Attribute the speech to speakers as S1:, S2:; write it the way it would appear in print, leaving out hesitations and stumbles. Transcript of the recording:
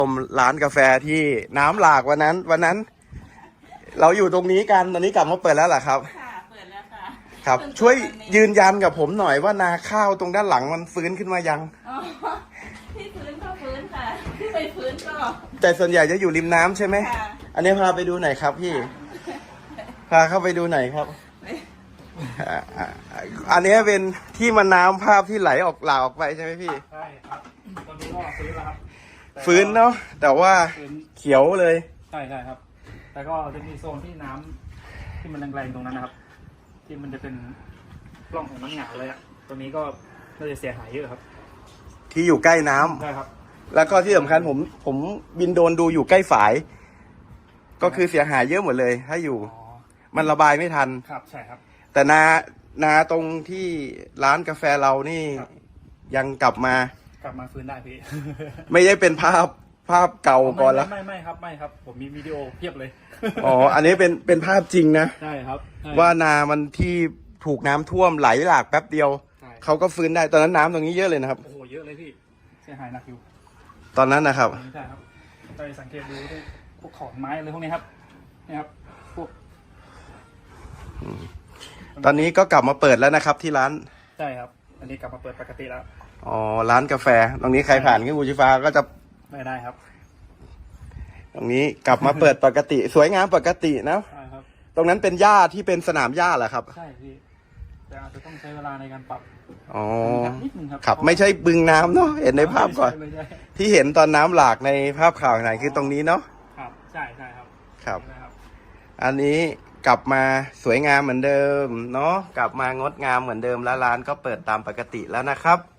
S1: ร้านกาแฟที่น้ำหลากวันนั้น เราอยู่ตรงนี้กันตอนนี้กลับมาเปิดแล้วเหรอครับ
S2: ค่ะเปิดแล้วค่ะ
S1: ครับช่วยยืนยันกับผมหน่อยว่านาข้าวตรงด้านหลังมันฟื้นขึ้นมายัง
S2: อ๋อที่ฟื้นก็ฟื้นค่ะที่ไม่ฟื้นก็
S1: แต่ส่วนใหญ่จะอยู่ริมน้ำใช่ไหม
S2: ค่ะ
S1: อันนี้พาไปดูหน่อยครับพี่พาเข้าไปดูหน่อยครับอันนี้เป็นที่มันน้ำภาพที่ไหลออกหลากออกไปใช่ไหมพี่
S3: ใช่ครับตอนนี้ก็ฟื้นแล้วครับ
S1: ฟื้นเนาะแต่ว่าเขียวเลย
S3: ใช่ครับแต่ก็จะมีโซนที่น้ำที่มันแรงๆตรงนั้นนะครับ ที่มันจะเป็นร่องของน้ำหงาเลยอะตรงนี้ก็น่าจะเสียหายเยอะครับ
S1: ที่อยู่ใกล้น้ำ
S3: ใช่ครับ
S1: แล้วก็ที่สำคัญผมบินโดรนดูอยู่ใกล้ฝาย ก็คือเสียหายเยอะหมดเลยถ้าอยู่มันระบายไม่ทัน
S3: ครับใช่ครับ
S1: แต่นาตรงที่ร้านกาแฟเรานี่ยังกลับมา
S3: ฟื้นได้พี่
S1: ไม่ได้เป็นภาพเก่าก่อนแล้ว
S3: ไม่ครับผมมีวิดีโอเพียบเลย
S1: อ๋ออันนี้เป็นภาพจริงนะ
S3: ใช่ครับ
S1: ว่านามันที่ถูกน้ำท่วมไหลหลากแป๊บเดียวเขาก็ฟื้นได้ตอนนั้นน้ำตรงนี้เยอะเลยนะครับ
S3: โอ้โหเยอะเลยพี่เสียหายหนักอยู่
S1: ตอนนั้นนะครับ
S3: ใช่ครับไปสังเกตดูพวกขอนไม้อะไรพวกนี้ครับนี่ครับพวก
S1: ตอนนี้ก็กลับมาเปิดแล้วนะครับที่ร้าน
S3: ใช่ครับอันนี้กลับมาเปิดปกติแล้ว
S1: อ๋อร้านกาแฟตรงนี้ใครผ่านขึ้นบูชิฟ้าก็จะ
S3: ไม่ได้ครับ
S1: ตรงนี้กลับมาเปิดปกติสวยงามปกตินะ
S3: ใช่ครับ
S1: ตรงนั้นเป็นหญ้าที่เป็นสนามหญ้าเหรอครับ
S3: ใช่พี่แต่อาจจะต้องใช้เวลาในการปรับ
S1: อ๋อ
S3: นิดนึงครับ
S1: ครับไม่ใช่บึงน้ำเนาะเห็นในภาพก่อนที่เห็นตอนน้ำหลากในภาพข่าวไหนคือตรงนี้เนาะ
S3: ครับใช่ครับ
S1: ครับอันนี้กลับมาสวยงามเหมือนเดิมเนาะกลับมางดงามเหมือนเดิมแล้วร้านก็เปิดตามปกติแล้วนะครับ